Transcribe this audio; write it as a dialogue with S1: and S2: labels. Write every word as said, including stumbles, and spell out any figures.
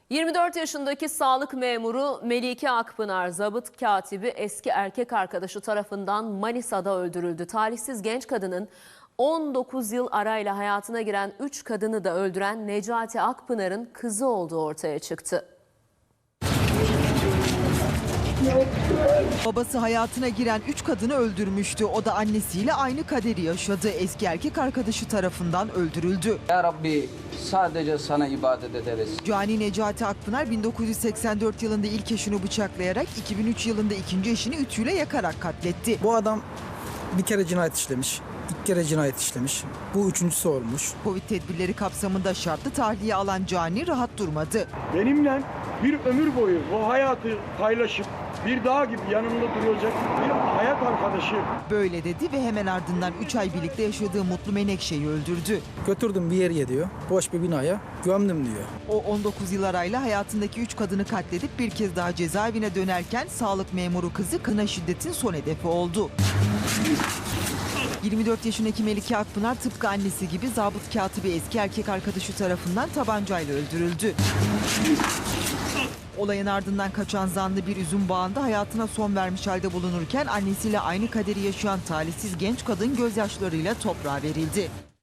S1: yirmi dört yaşındaki sağlık memuru Melike Akpınar, zabıt katibi eski erkek arkadaşı tarafından Manisa'da öldürüldü. Talihsiz genç kadının on dokuz yıl arayla hayatına giren üç kadını da öldüren Necati Akpınar'ın kızı olduğu ortaya çıktı.
S2: Babası hayatına giren üç kadını öldürmüştü. O da annesiyle aynı kaderi yaşadı. Eski erkek arkadaşı tarafından öldürüldü.
S3: Ya Rabbi, sadece sana ibadet ederiz.
S2: Cani Necati Akpınar bin dokuz yüz seksen dört yılında ilk eşini bıçaklayarak iki bin üç yılında ikinci eşini ütüyle yakarak katletti.
S4: Bu adam bir kere cinayet işlemiş, iki kere cinayet işlemiş. Bu üçüncüsü olmuş.
S2: Covid tedbirleri kapsamında şartlı tahliye alan Cani rahat durmadı.
S5: Benimle bir ömür boyu bu hayatı paylaşıp bir dağ gibi yanımda duracak bir hayat arkadaşı.
S2: Böyle dedi ve hemen ardından üç ay birlikte yaşadığı Mutlu Menekşe'yi öldürdü.
S4: Götürdüm bir yere diyor, boş bir binaya gömdüm diyor.
S2: O on dokuz yıl arayla hayatındaki üç kadını katledip bir kez daha cezaevine dönerken sağlık memuru kızı kına şiddetin son hedefi oldu. yirmi dört yaşındaki Melike Akpınar tıpkı annesi gibi zabıt katibi eski erkek arkadaşı tarafından tabancayla öldürüldü. Olayın ardından kaçan zanlı bir üzüm bağında hayatına son vermiş halde bulunurken annesiyle aynı kaderi yaşayan talihsiz genç kadın gözyaşlarıyla toprağa verildi.